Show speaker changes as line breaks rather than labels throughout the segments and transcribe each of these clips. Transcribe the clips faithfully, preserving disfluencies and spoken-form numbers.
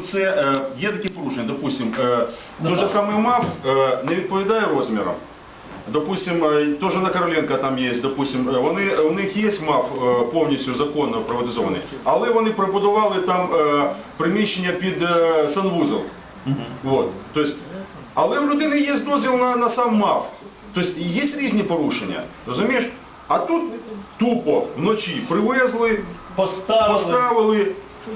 це е, є такі порушення, допустим, е, той же самий МАФ е, не відповідає розмірам. Допустим, теж на Короленка там є, допустим, вони, у них є МАФ е, повністю законно приватизований, але вони пробудували там е, приміщення під е, санвузол. Вот. Тобто, але в людини є дозвіл на, на сам МАФ. Тобто є різні порушення, розумієш? А тут тупо вночі привезли,
Поставили.
поставили,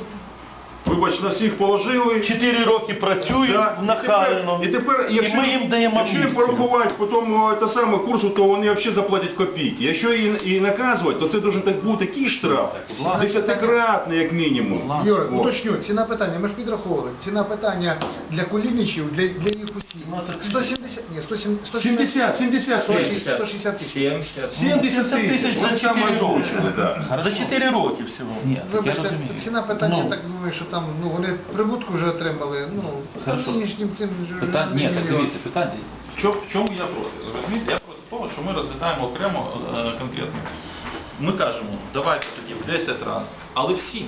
вибач, на всіх положили.
Чотири роки працюють
Да.
нахально.
І тепер, і тепер якщо,
і ми їм даємо
якщо їм
амністію.
порахувати по тому та саме курсу, то вони взагалі заплатять копійки. Якщо і, і наказувати, то це дуже так бути такий штраф, десятикратний як мінімум.
Юра,
О.
уточню, ціна питання, ми ж підраховували, ціна питання для кулінічів, для, для їх усіх, сто сімдесят, ні, сто сімдесят,
сімдесят, сімдесят
сто
тисяч.
сто шістдесят тисяч.
сімдесят.
сімдесят тисяч,
за
це саме
чотири
озвучили, да.
За чотири роки всього.
Ні, так я
Вибачте,
розумію.
ціна питання,
Ну.
я так думаю, що там, ну, вони прибутку вже отримали, ну,
Хорошо.
нинішнім цим вже
Питань, ні, так
мільйон.
дивіться, питання. В чому, в чому я проти? Розумієте, я проти того, що ми розглядаємо окремо е, конкретно. Ми кажемо, давайте тоді в десять разів, але всім,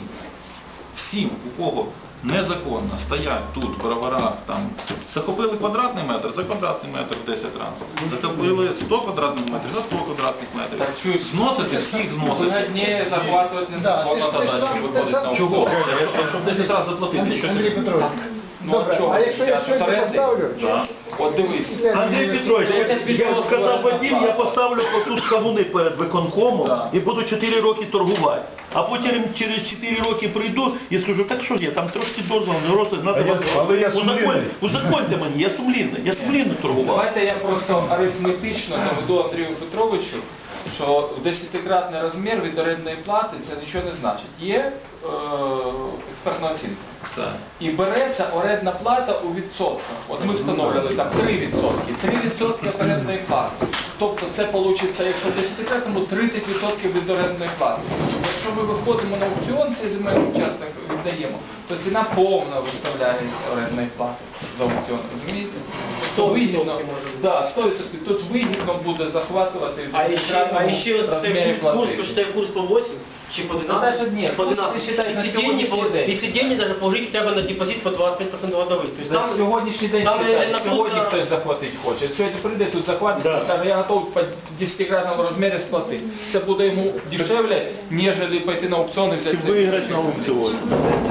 всім, у кого незаконно стоять тут в броварах, там, захопили квадратний метр, за квадратний метр в десять разів, захопили сто квадратних метрів, за сто квадратних метрів,
Так чуть
зносити, всіх зносити.
Выгоднее захватывать незаконно
Да, ты ж
задачу,
сам-
выходить
ты
на
сам-
аукцион.
Чого? Якщо, якщо в десять разів заплатити,
Андрій,
що
Андрій
це?
Петрович,
Ну,
добре,
а чого?
а якщо я
Я
сьогодні
суверенний?
поставлю,
Да.
От дивись,
Андрій Петрович, як казав Вадим, я поставлю отут кавуни перед виконкомом
Да.
і буду чотири роки торгувати. А потім через чотири роки прийду і скажу, так що ж я, там трошки дозволу, роти,
А я- але я сумлінний.
Узаконьте мені, я сумлінний, я сумлінно торгував.
давайте я просто арифметично доведу Андрію Петровичу, що десятикратний розмір від орендної плати це нічого не значить. Є е, експертна оцінка.
Так.
І береться орендна плата у відсотках. От ми встановлювали там три відсотки. три відсотки від орендної плати. Тобто це вийде, якщо в десятикратному, тридцять відсотків від орендної плати. Якщо ми виходимо на аукціон, цей земельний участок віддаємо, то ціна повна виставляється орендної плати за аукціон. Розумієте? То вигідно, да, сто відсотків. Тут вигідно буде захватувати в
А еще, а
десятикратному
еще вот
розмірі
курс,
плати.
посчитай курс по восемь, чи по
Ну,
двенадцать,
даже нет,
по
курс
двенадцать,
посчитай на
если деньги,
сегодняшний день.
если деньги даже положить хотя бы на депозит по двадцать пять процентов годовых. То есть
На
там,
сьогоднішній день
там
считай,
на
сьогодні
курс-
хтось захватити хоче. Сьогодні прийде тут захватить
Да.
і скаже, я готовий по десятикратному розмірі сплатити. Це буде йому дешевле, ніж пойти на аукціон і взяти.
Чи
цей
виграти на
кусок землі.
аукціоні.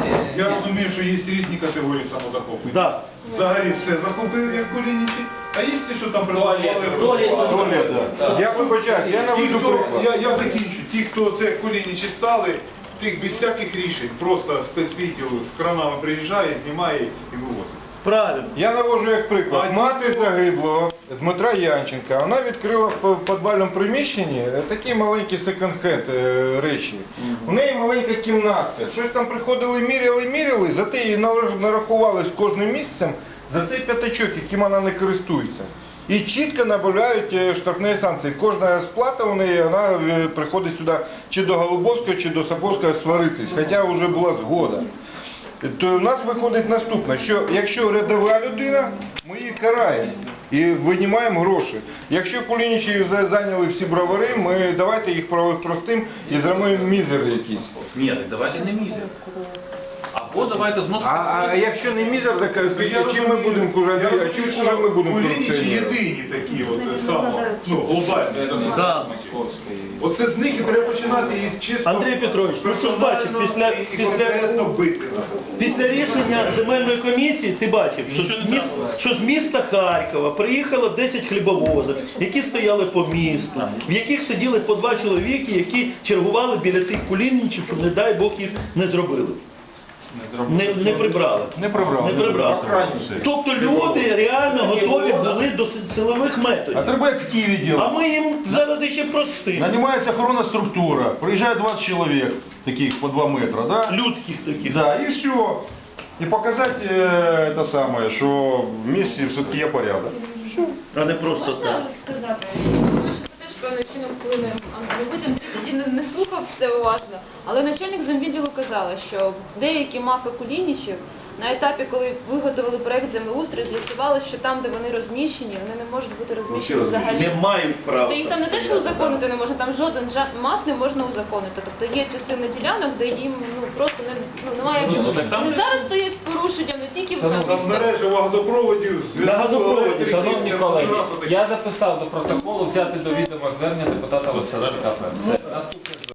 Я розумію, що є різні категорії самозахоплення.
Да.
Взагалі все захопили, як колінічі, а є ті, що там
Туалет.
Туалет.
Туалет, да.
Так.
Я вибачаюсь, я
Ті,
наведу
хто,
приклад.
я, я закінчу. Ті, хто це колінічі стали, тих без всяких рішень, просто спецвідділ з кранами приїжджає, знімає і вивозить.
Правильно.
Я навожу як приклад.
А
Мати загиблого Дмитра Янченка, вона відкрила в підвальному приміщенні такі маленькі секонд-хенд е, речі. У неї маленька кімнатка. Щось там приходили, міряли, міряли, зате їй нар- нарахували з кожним місяцем за цей п'ятачок, яким вона не користується. І чітко набавляють е, штрафні санкції. Кожна сплата у неї, вона е, приходить сюди чи до Голубовського, чи до Сапожського сваритись, хоча вже була згода. То в нас виходить наступне, що якщо рядова людина, ми її караємо і винімаємо гроші. Якщо кулінічі за- зайняли всі бровари, ми давайте їх про- простим і зробимо мізер якийсь.
Ні, так давайте не мізер. Або давайте зносити
А, а
всіх.
якщо не мізер, так скажіть, чим ми будемо кужати, а чим хуже ми будемо
Колінічі
корупціонерами?
єдині такі, от, само, ну, глобальні.
Да.
Оце з них і треба починати їх чисто.
Андрій Петрович, ну ти ж бачив, після,
і
після,
конкретно бити.
після рішення земельної комісії ти бачив, що з, міс, що з міста Харкова приїхало десять хлібовозів, які стояли по місту, в яких сиділи по два чоловіки, які чергували біля цих кулінничів, щоб, не дай Бог, їх не зробили. Не, не прибрали.
Не прибрали.
Не прибрали.
Охрані все.
Тобто люди реально готові були до силових методів.
А треба як в Києві
А
робити.
ми їм зараз ще простимо.
Нанимается охоронная структура, приезжает двадцать человек, таких по два метра, да?
Людських таких.
Да, и все. И показать э, это самое, что в месте все-таки є порядок.
А не просто
Можна
так.
сказати? Тому що це теж певним чином вплине. Мабуть, Андрій тоді не, не слухав все уважно, але начальник земвідділу казала, що деякі мафи кулінічів на етапі, коли виготовили проект землеустрою, з'ясували, що там, де вони розміщені, вони не можуть бути розміщені взагалі.
Не мають права.
Тобто їх там не те, що узаконити не можна, там жоден жа- маф не можна узаконити. Тобто є частина ділянок, де їм ну просто не ну немає.
Ні, ну, так там
Вони
же-
зараз стоять з порушенням.
Шановні,
Там мережево газопроводів, зв'язку,
На газопроводі,
електрики,
Шановні колеги,
телеграфу, таке.
я записав до протоколу взяти до відома звернення депутата Василенка. Все, наступне звернення.